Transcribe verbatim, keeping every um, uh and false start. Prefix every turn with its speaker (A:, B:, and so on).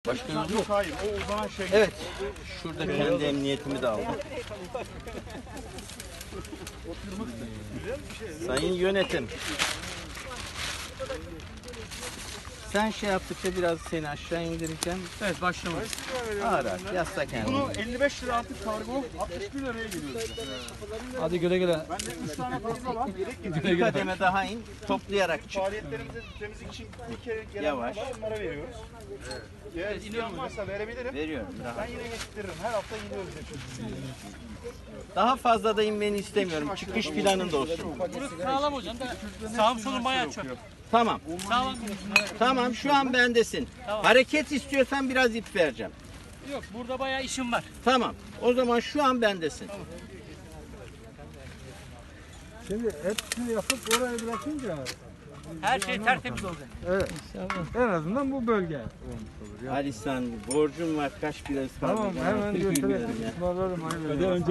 A: Başka yok.
B: Yok hayır, o uzanan şey.
A: Evet. Şurada kendi emniyetimi de aldım. Sayın yönetim. Sen şey yaptıkça biraz seni aşağı indireceğim.
C: Evet, başlamış.
A: Ağır ağır. Yasla kendini.
B: Bunu elli beş lira artık kargo, altmış bir liraya geliyor.
C: Hadi güle güle.
B: Bende üç tane fazla var.
A: Bir kademe daha in. Toplayarak çık.
B: Faaliyetlerimize temizlik için bir kere gelen
A: Yavaş.
B: var, onlara veriyoruz. Eğer isteyen varsa verebilirim.
A: Veriyorum. Daha.
B: Ben yine getiririm. Her hafta iniyoruz.
A: Daha fazla da inmeni istemiyorum. Çıkış planın da olsun.
C: Burası sağlam hocam da sağım solum bayağı çöp.
A: Tamam.
C: Sağlam.
A: Tamam şu an bendesin.
C: Tamam.
A: Hareket istiyorsan biraz ip vereceğim.
C: Yok, burada bayağı işim var.
A: Tamam. O zaman şu an bendesin.
D: Şimdi hepsini yapıp oraya bırakınca
C: Her şey tertemiz olacak.
D: evet. En azından bu bölge olmuş olur. Ya.
A: Ali sen borcum var kaç biraz kaldı.
D: Tamam hemen götürelim. Ismarlarım.